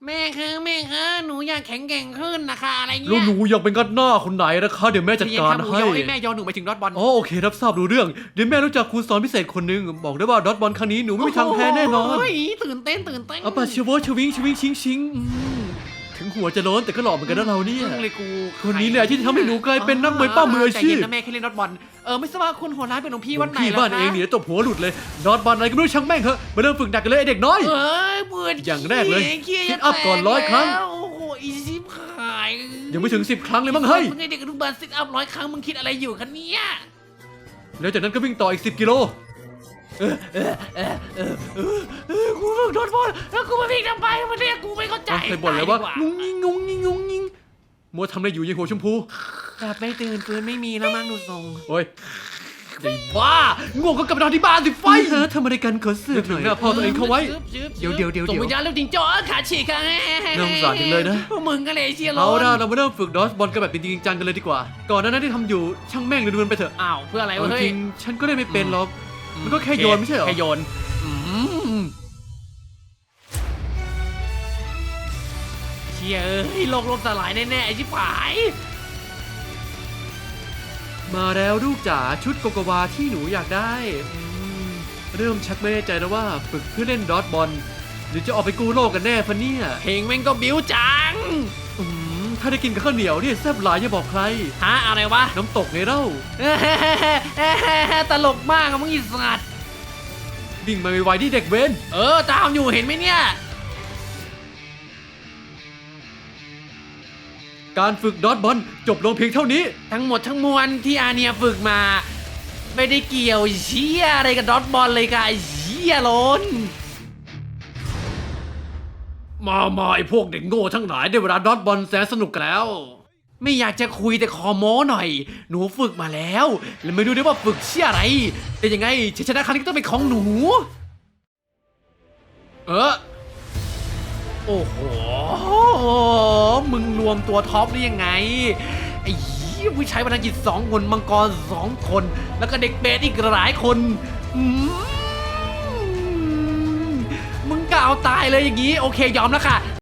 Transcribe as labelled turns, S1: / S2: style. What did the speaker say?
S1: แม่คะหนูอยากแข็งแกร่งขึ้นนะคะอะไร
S2: แล้ว
S1: เงี้ย
S2: หนูอยากเป็นกัดหน้าคนไหนนะคะเดี๋ยวแม่จัดการให้
S1: แม่ยอหนูไปถึงดอทบอล
S2: อ๋อโอเครับทราบรู้เรื่องเดี๋ยวแม่รู้จักครูสอนพิเศษคนหนึงบอกได้ว่าดอทบอลครั้งนี้หนูไม่มีทางแพ้แน่นอน
S1: โอ้ยตื่นเต้น
S2: เอาปะเชวชวิงชวิงชิงชิงถึงหัวจะโล้นแต่ก็หล่อเหมือนกันนะเราเนี่ย
S1: เลยกู
S2: คนนี้แหละที่ทำให้หนูกลายเป็นนักมวยป้ามืออาชีพ
S1: ใจเย็นนะแม่แค่เล่นดอทบอลไม่ทราบว่าคุณหัวร้านเป็นหลวงพี่วัดไหน
S2: พี่
S1: ล่ะ
S2: บ้านเองเนี่ยตบหัวหลุดเลยดอทบอลอะไรก็ไม่รู้ช่างแม่งเถอะมาเริ่มฝึกหนักกันเลยไอเด็กน้อย
S1: เบื่อ
S2: อย่างแรกเลย
S1: ขี้
S2: ซิทอัพก่อน100 ครั้ง
S1: โอ้โหอีซิปขาย
S2: ยังไม่ถึง10 ครั้งเลยมั้งเฮ้ย
S1: มึงไอเด็กอนุบาลซิทอัพ100 ครั้งมึงคิดอะไรอยู่คะเนี่ย
S2: แล้วจากนั้นก็วิ่งต่ออีก10 กิโล
S1: กูฝึกดอทบอลแล้วกูมาวิ่งทำไมมันเรียกกูไม่เข้าใจ
S2: เคยบ่นแล้วว่า
S1: ตย
S2: งุ้งยิงงุ้งยิงงุ้งยิงมัวทำอะไรอยู่ยังหัวชมพู
S1: กลับไม่ตื่นฟื้นไม่มีแล้วมั้งดูทรง
S2: โอ้ยไอ้บ้าง่วงก็กลับไปนอนที่บ้านสิไฟทำอะไรกันขอเสือกหน่อยหน้าพ่อตัวเองเข้าไว้ เดี๋ยว
S1: ส่งวิญญาณแล้วจริงจ้อขาฉีกค่ะ
S2: น่าสงสารจังเลยนะ
S1: พวกมึงก็เลยเชียร์
S2: เอาล่ะเรามาเริ่มฝึกดอสบอลกันแบบจริงๆจังกันเลยดีกว่า ก่อนหน้านั้นที่ทำอยู่ช่างแม่งเลยดูมันไปเถอะ
S1: อ้าวเพื่ออะไร
S2: เอา
S1: วะเฮ้
S2: จ
S1: ย
S2: ริงฉันก็ได้ไม่เป็นหรอกมันก็แค่โยนไม่ใช่เหรอ
S1: แค่โยนเชียร์โลกล่มสลายแน่ๆไอ้ชิบหาย
S2: มาแล้วลูกจ๋าชุดโกโกวาที่หนูอยากได้เริ่มชักไม่แน่ใจแล้วว่าฝึกเพื่อเล่นดอสบอลหรือจะออกไปกู้โลกกันแน่พะเนี่ย
S1: เพลงแม่งก็บิ้วจัง
S2: ถ้าได้กินกับข้าวเหนียวเนี่ยแซ่บหลายอย่าบอกใคร
S1: ฮะอะไรวะ
S2: น้ำตกไงเล่า
S1: ตลกมากอะมึงอีสัตว์
S2: วิ่งมาไวๆที่เด็กเว้น
S1: ตามอยู่เห็นไหมเนี่ย
S2: การฝึกดอทบอลจบลงเพียงเท่านี้
S1: ทั้งหมดทั้งมวลที่อาเนียฝึกมา ไม่ได้เกี่ยวเชี่ยอะไรกับดอทบอลเลยค่ะไอ้เชี่ยล้น
S2: มาไอพวกเด็กโง่ทั้งหลายได้เวลาดอทบอลแสนสนุกกันแล้ว
S1: ไม่อยากจะคุยแต่ขอโม้หน่อย หนูฝึกมาแล้วแล้วไม่รู้ได้ว่าฝึกเชี่ยอะไร แต่ยังไงชัยชนะครั้งนี้ต้องเป็นของหนู โอ้โห มึงรวมตัวท็อปได้ยังไง ไอ้เหี้ยผู้ใช้พลังจิต2 คนมังกร2 คน แล้วก็เด็กเบสอีกหลายคนมึงกล่าวตายเลยอย่างนี้ โอเคยอมแล้วค่ะ